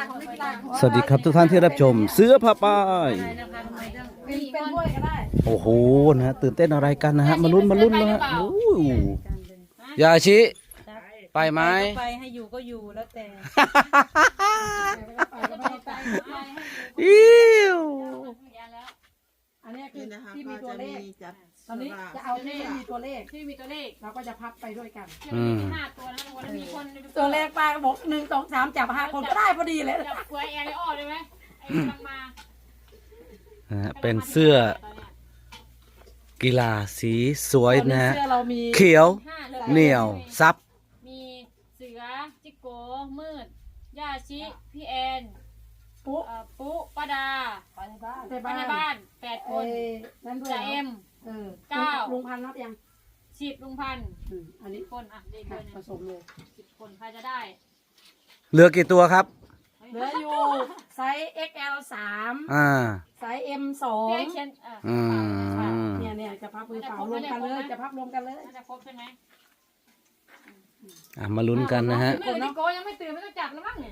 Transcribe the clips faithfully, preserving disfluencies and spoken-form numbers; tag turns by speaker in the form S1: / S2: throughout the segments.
S1: สวัสดีครับทุกท่านที่รับชมเสือผ้าป้าย
S2: เป็นเป็นด้วยก็ได้
S1: โอ้โหนะฮะตื่นเต้นอะไรกันนะฮะมาลุ้นมาลุ้นนะฮะโอ้โหยาชิไปไหม
S2: ไปให้อยู่ก็อยู่แล้วแต่
S1: อิ้ว
S2: อันนี้คือ
S3: นี่นะคะ
S2: ที่
S3: ก็
S2: มีตัว
S3: จะ
S2: เล
S3: มี
S2: ข
S3: จับ
S2: ตอนนี้จะเอาที่มีตัวเลข
S4: ที่มีตัวเลข
S2: เราก็จะพับไปด้วยกัน
S1: อืม
S4: ห้าตัวนะวันนี้มีคน
S2: ตัวเลขป้าบอกหนึ่งสองสามจับห้าคนก็ได้พอดีเลย
S4: จับกล้วยแอร์ไลออได้ไหมไอ้กำลังมา
S1: นะฮะเป็นเสื้อกีฬาสีสวยนะฮะ
S2: เสื้อเรามี
S1: เขียว
S4: ห้าเลย
S1: เหนียวซับ
S4: มีเสือจิโกมืดย่าชิพี่แอน
S2: ปุ๊
S4: เอ่อปุ๊ป้าดา
S2: ไปในบ้าน
S4: ไปในบ้านแปดค
S2: เอ้
S4: น
S2: ยนั่นด้วย
S4: จ่าเอ็ม
S2: เออ
S4: เก้า
S2: ลุงพันธุ์รับยัง
S4: สิบลุงพันธุ์
S2: อืมอันนี้
S4: คนอ่ะเด็กเลย
S2: ผ
S4: เนี่ย
S2: สมเลย
S4: สิบคนใครจะได้
S1: เหลือกี่ตัวครับ
S2: เหลืออยู่ไซส์ เอ็กซ์ แอล สาม
S1: อ่า
S2: ไซส์ เอ็ม สอง
S4: พี่แอนเขียนเออ
S1: อืม
S2: เนี่ยเนี่ยจะพับมือเปล่ารวมกันเลยจะพับรวมกันเลย
S4: น่าจะครบใช่ไหม
S1: อ่ะมาลุ้นกันนะฮะ
S4: ไม่จิโกยังไม่ตื่นไม่ต้องจับแล้วมั้งเนี่ย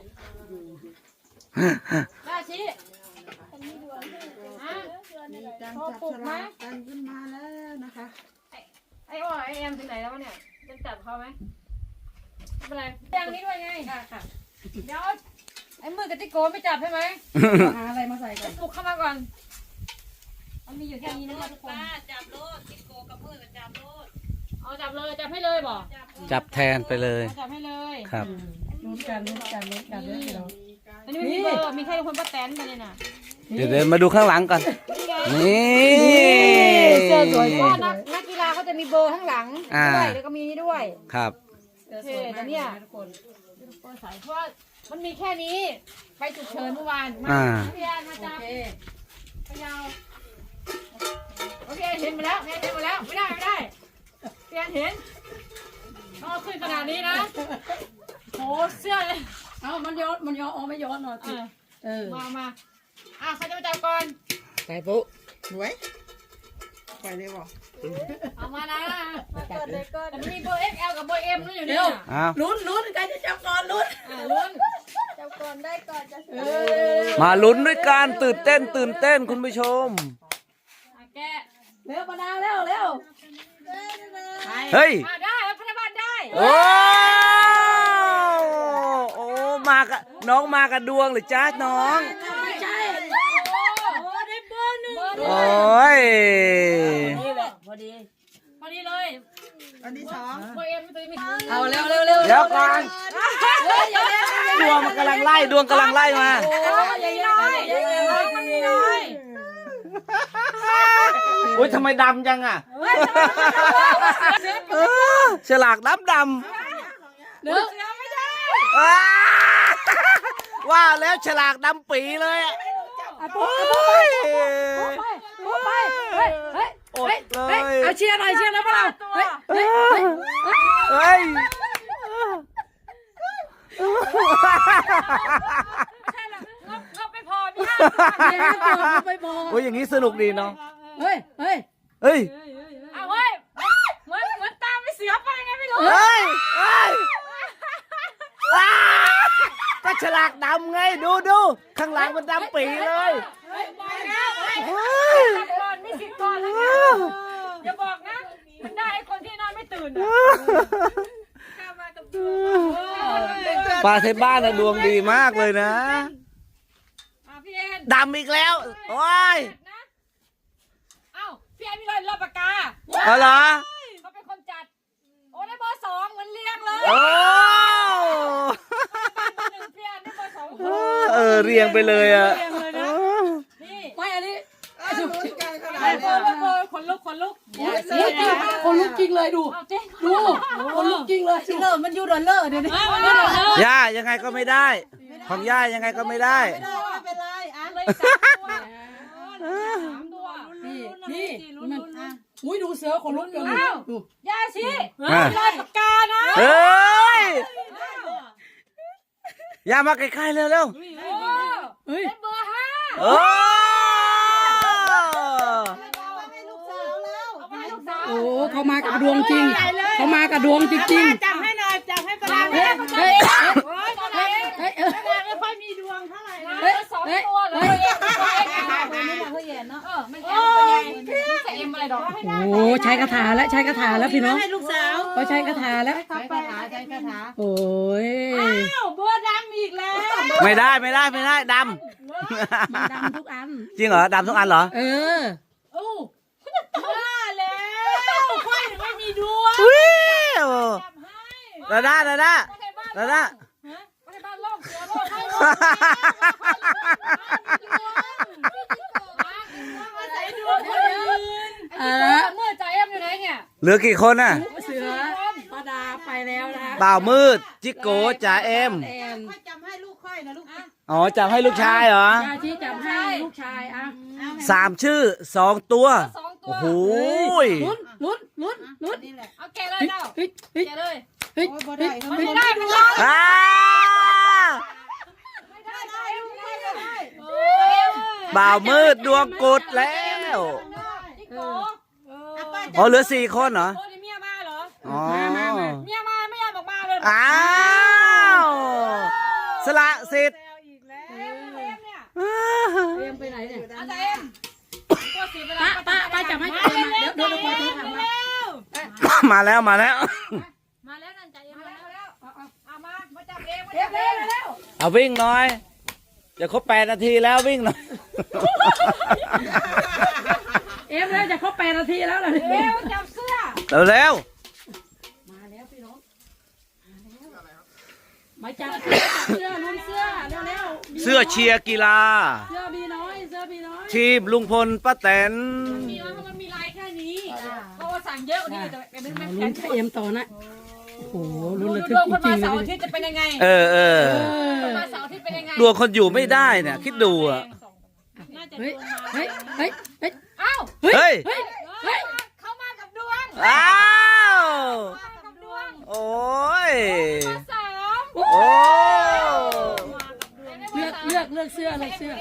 S4: ย่าชิฮะ
S3: มีการจับฉลากกันขึ้นมาแล้วนะคะ
S4: ไอ้อ้อไอ้แอมถึงไหนแล้ววะเนี่ยจะจับเขาไหมไม่เป็นไรอย่างนี้ด้วยไง
S2: ค่ะค่ะ
S4: เดี๋ยวไอ้มือกับจิโกไม่จับใช่ไหม
S2: หาอะไรมาใส่กัน
S4: ปลุกเข้ามาก่อนมันมีอยู่แค่นี้นะคะทุกคน
S5: จับโลดกิโกกับมือกับจับโลด
S4: เอาจับเลยจับให้เลยบอก
S1: จับแทนไปเลย
S4: เอาจับให้เลย
S1: ครับ
S2: ลุ้นกันลุ้นกันลุ้นกันเลยเรา
S4: อันนี้ไม่มีเบอร์มีแค่คนป้าแตนไปเลยน่ะ
S1: เดี๋ยวเดี๋ยวมาดูข้างหลังก่อน นี่
S2: เสื้อสวย
S4: ก็
S2: มาก
S4: นักนักกีฬาเขาจะมีเบอร์ข้างหลังด้วยแล้วก็มีนี่ด้วย
S1: ครับ
S2: เสื้อสวยมากทุกคน
S4: เบอร์สายเพราะว่ามันมีแค่นี้ไปฉุกเฉินเมื่อวานมา
S1: อ่า
S4: พี่แอนมา
S2: โอ
S4: จับ
S2: เค
S4: พยาวโอเคเห็นมาแล้วเห็นมาแล้วไม่ได้ไม่ได้พี่แอนเห็นต้องเอาขึ้นขนาดนี้นะโหเสื้อเลย
S2: เอามันย้อนมันย้อนอ๋อไม่ย้อนหน่อย
S4: เออ
S2: เออ
S4: มามาอ่ะใครจะมาจับก่อน
S3: ไปปุ๊สวยไปเลยบอก
S4: เอามานะแต่มีเบอร์ เอ็กซ์ แอล กับเบอร์ เอ็ม นั่นอยู่
S2: เดี๋
S4: เนี่ย ยว
S1: อ้าว
S2: ลุ้นลุ้นใครจะจับก่อนลุ้น
S4: อ่ะลุ้น
S2: เออ
S1: มาลุ้นด้วยกันตื่นเต้นตื่นเต้นคุณผู้ชม
S4: อ่ะแกะ
S2: เร็วประดาเร็วเร็ว
S1: เฮ้ย
S4: อ่ะได้พยาบาลได้
S1: โอ้โอ้มากับน้องมากับดวงหรือจ้าน้อง
S2: ไม่ใช่
S4: โอ้ได้เบอร์หนึ่ง
S1: โอ้ย
S2: นี่แหละพอดี
S4: พอดีเลย
S3: อันที่สอง
S4: เบอร์ เอ็ม ตัวนี้
S2: เอาเร็วเร็วเร็ว
S1: เดี๋ยวก่อน
S2: เฮ้ยอย่าเร็ว
S1: ดวงมันกำลังไล่ดวงกำลังไล่มา
S2: โอ้ยอย่าน้อยอย่าน้อย
S4: มันมีน้อย
S1: อุ้ยทำไมดำจังอ่ะเออฉลากดำด
S2: เร็ว
S1: ำอ้าว่าแล้วฉลากดำปีเลยอะ
S2: ปุ๊บปุ๊บไปปุ๊บไปเฮ้ยเฮ้ย
S1: อด
S2: เฮ้ย
S1: เล
S2: เฮ้ย
S1: ย
S2: เอาเชียร์หน่อยเชียร์แล้วเปล่าเฮ้ยเฮ้ย
S1: เฮ้ย
S4: ไม่ใช่หรอกงบงบไม่พอมีห้า
S2: เชียร์ให้ตัวไปบอก
S1: โอ้ยอย่างนี้สนุกดีเนาะ
S2: เฮ้ยเฮ้ย
S1: เฮ้ย
S4: เอาเว้ยเหมือนเหมือนตามไปเสือไปไงไม่รู้
S1: เฮ้ยเฮ้ยอ้าก็ฉลากดำไงดูดูข้างหลังมันดำปีเลย
S4: เฮ้ยบอกแล้วเฮ้ย
S1: เฮ้ย
S4: จับก่อนมีสิทธิ์ก่อนแล้วเนี่ยอย่าบอกนะ มันได้ไอ้คนที่นอนไม่ตื่นอะ
S1: ปลาเทบ้านนะดวงดีมากเลยนะ
S4: อ่ะพี่เอ็น
S1: ดำอีกแล้ว โอ้ย
S4: นะเอ้าพี่เอ็นมีรอยรอบปากกา
S1: เอาเหรอ
S4: เขาเป็นคนจัด โอ้ได้เบอร์สองเหมือนเรียงเลย
S1: โอ้
S4: เบอร์หนึ่งพี่เอ็นได้เบอร์สอง
S1: เออเรียงไปเลยอ่ะ
S4: เรียงเลยนะนี่
S2: ไม่อันนี้
S3: ลุ้นกันขนา
S4: ได้
S3: ด
S4: เบ
S3: นี้
S4: อร์เบอร์ขนลุกขนลุก
S2: ลุกจริงคนลุกจริงเลยดู
S4: เอาเจ๊
S2: ดูคนลุกจริงเลยเลิศมันยูดอลเลอร์เดี๋ยวนี้
S1: ย่ายังไงก็ไม่ได้ ของย่ายังไงก็ไม่ได้
S3: ไม่ได้ไม่เป็นไรอ่ะ
S4: เลยสามตัวสามตัว
S2: นี่นี่มันอุ้ยดูเสือคนลุกกันดู
S4: ยาชี
S1: อ่ะ
S4: รอยปากกานะ
S1: เฮ้ยย่ามาใกล้ๆเร็วเร็ว
S4: โอ้
S2: เฮ้ย
S4: ได้เบอร์ห้า
S1: ๆโอ้
S3: ให้ลูกสาวแล้ว
S4: เอาไปให้ลูกสาว
S2: โอ้เขามากับดวงจริงเขามากับดวงจริงจริง
S5: จับให้หน่อยจับให้กระดาษ
S2: เฮ้ยเฮ้ย
S4: โอ้ยตอนไหน
S2: เฮ้ย
S4: ตอนไหนไม่ค่อยมีดวงค่ะ
S2: ใช้คาถาแล้วใช้คาถาแล้วพี่น้อง
S3: ให้ลูกสาว
S2: เขาใช้คาถาแล้ว
S3: ใช้คาถาใช้คาถา
S2: โอ้ย
S4: อ้าวเบอร์ดำอีกแล้ว
S1: ไม่ได้ไม่ได้ไม่ได้ด
S2: มันดำทุกอัน
S1: ำจริงเหรอดำทุกอันเหรอ
S2: เออ
S4: โอ้ว่าแล้วค่อยไม่มีดวง
S1: วิว
S4: จับให้
S1: ดาด้าดาด้า
S4: ไม่ได้บ้าน
S1: ดาด้า
S4: ฮะไม่ได้บ้านโลกเสือโลกให้มาใส่ดวงคนอื่น
S2: เอ
S4: เอ
S2: อ
S4: อเมื่อใจเอ็มอยู่ไหนเนี่ย
S1: เหลือกี่คนน่ะ
S2: เสือป้าดาไปแล้วนะ
S1: บ่าวมืด จิโกจ่าเอ็ม
S2: แอน
S3: ค่อยจำให้ลูกค่อยนะลูก
S1: อ๋อจับให้ลูกชายเหรอ
S2: ยาชี้จับให้ลูกชายอ่ะ
S1: สามชื่อสองตัว
S4: สองตัว
S1: โอ้โห
S2: ลุ้นลุ้นลุ้นลุ้น
S3: นี่แหละ
S4: เอาแกะเลย
S2: เฮ้ย
S4: เจ้า
S2: เฮ้ยเฮ้ย
S4: แกะเลย
S2: เฮ้ย
S3: โอ้ยบ่ได้เขา
S4: มัน
S3: ไม่
S4: ไม่
S3: ได้
S4: ได้มันได้
S1: อ้า
S4: ไม่ได้ใจเอ็มไม่ได้
S1: บ่าวมืดดวงกุดแล้ว
S4: จิโก
S1: อ๋อเหลือสี่คนเหรอ
S4: โอ้ยเมียมาเหรอ
S1: อ๋อ
S4: เมียมาไม่ยอมออกมาเลย
S1: อ้าวสละสิทธิ์
S4: อีกแล้วเอ็มเอ็มเนี่ย
S2: เอ็มไปไหนเนี่ย
S4: อาจารย์เอ็มตัวสีเวลา
S2: ป้าป้าป้าจับให้เอ็มมาเดี๋ยวเดี๋ยวเดี๋ยวขอโทษถามมา
S1: มาแล้วมาแล้ว
S4: มาแล้วนั่นใจเอ็มมาแล้วเอามามาจับเองมาจับเองแล้ว
S1: เอาวิ่งหน่อยจะครบแปดนาทีแล้ววิ่งหน่อย
S2: เอ็มแล้วจะครบแปดนาทีแล้วเหรอ
S4: เร็วจับเสื้อ
S1: เร็วเร็ว
S2: มาแล้วพี่น้องมาจับเสื้อจับเสื้อลุ้นเสื้อเร็วเร็ว
S1: เสื้อเชียร์กีฬา
S2: เสื้อบีน้อยเสื้อบีน้อย
S1: ทีมลุงพลป้าแตน
S4: มีแล้วมันมีลายแค่นี้เพราะว่าสั่งเยอะกว่านี้แต่เอ็มไม่
S2: ลุ้
S4: แข็
S2: น
S4: ง
S2: เอ็มต่อนะโอ้โหลุ้นระ
S4: ด
S2: ทึก
S4: วง
S2: จ
S4: คน
S2: ริ
S4: มาง
S2: ๆ
S4: เสาร์
S2: เล
S4: อาย ทิตย์จะเป็นยังไง
S1: เออเออ
S4: คนมาเสาร์อาทิตย์เป็นยังไง
S1: ดวงคนอยู่ไม่ได้เนี่ยคิดดูอ่ะ
S4: น่าจะด
S2: เฮ้ยว
S4: งมา
S2: เฮ้ยเฮ้ยเฮ้ย
S4: อ้าว
S1: เฮ้ย
S2: เฮ้ย
S4: เฮ้ยเขามากับดวง
S1: อ้าว
S4: มากับดวง
S1: โอ้ย
S4: มาสาม
S1: โอ้
S2: เลือกเลือกเลือกเสื้อเลือกเสื้อ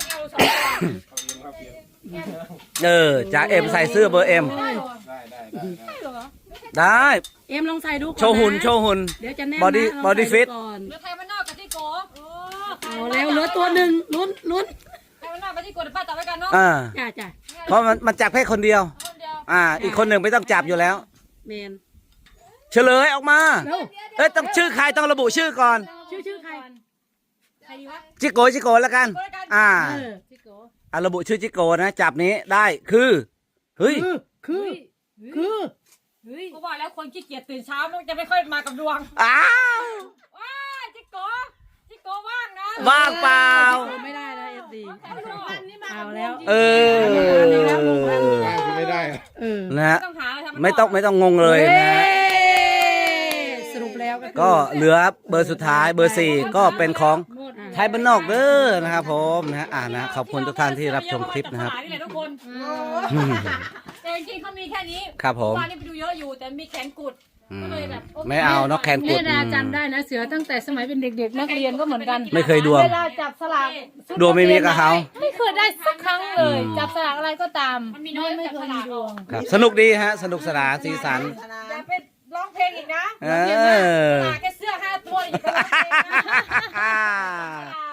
S1: เออจ่าเอ็มใส่เสื้อเบอร์เอ็ม
S4: ได้เหรอ
S1: ได้
S2: เอ็มลองใส่ดูก่อนนะ
S1: โชว์หุ่นโชว์หุ่น
S2: เดี๋ยวจะแน่น
S1: บอดี้
S2: นะลง
S1: บอดี้
S2: ใส่
S1: ฟิต
S2: ก่อน
S4: เหลือไทยมันนอกกับที่โก
S2: เอาแล้วเหลือตัวหนึ่งลุ้นลุ้น
S4: ไทยมันนอกกับที่โกเดี๋ยวป้าจับไว้กันเนาะ
S1: อ่า
S2: จ้าจ้า
S1: เพราะมันมันจับแค่คนเดียว
S4: คนเดียว
S1: อ่า อีกคนหนึ่งไม่ต้องจับอยู่แล้ว
S2: เมน
S1: เฉลยออกมา
S2: เร็ว
S1: เอ้ยต้องชื่อใครต้องระบุชื่อก่อน
S2: ชื่อชื่อใคร
S4: ใครดีวะ
S1: จิโกจิโกแล้วกัน อ่า
S2: เออ
S4: ที่โก
S1: อ่ะระบุชื่อจิโกนะจับนี้ได้คือเฮ้ย
S2: คือคือคือ
S4: เฮ้ยกูบอกแล้วคนขี้เกียจตื่นเช้ามันจะไม่ค่อยมากับดวง
S1: อ้าว
S4: ว้าจิโกจิโกว่างนะ
S1: ว่างเปล่า
S2: ไม่ได้นะเอฟซี
S4: นี่มา
S2: เอาแล้ว
S1: เออ
S6: ไม่ได้อะ
S2: เออ
S1: นะฮะ
S4: ต้องหาอะไรทำ
S1: ไม่ต้องไม่ต้องงงเลยนะฮะ
S2: สรุปแล้วก็คือ
S1: ก็เหลือเบอร์สุดท้ายเบอร์สี่ก็เป็นของ
S4: หมด
S1: ไทยบ้านนอกเด้อนะครับผมนะฮะอ่านะขอบคุณทุกท่านที่รับชมคลิปนะครับ
S4: นี่แหละทุกคน
S1: อืม
S4: แต่จริงๆเขามีแค่นี้
S1: ครับผม
S4: วันนี้ไปดูเยอะอยู่แต่มีแขนกุด
S1: อืม
S4: ก็เลยแบบโอเค
S1: ไม่เอานกแคนกุ
S2: แม่
S1: ด
S2: ดาจำได้นะเสือตั้งแต่สมัยเป็นเด็กๆนักเรียนก็เหมือนกัน
S1: ไม่เคยดวง
S2: เวลาจับสลาก
S1: ดวงไม่มีกับเขา
S2: ไม่เคยได้สักครั้งเลย
S1: อืม
S2: จับสลากอะไรก็ตาม
S4: มันมีน้อย
S2: ไม่
S4: จับ
S2: เค
S4: ส
S2: ย
S4: ลา
S2: มี
S4: ก
S2: ดวง
S1: ครับสนุกดีฮะ สนุกสนานสีสัน
S4: อย่าไปร้องเพลงอีกนะ
S1: เออ
S4: สลากแค่เสื้อห้าตัวอยู่ก็ร้องเพลงนะ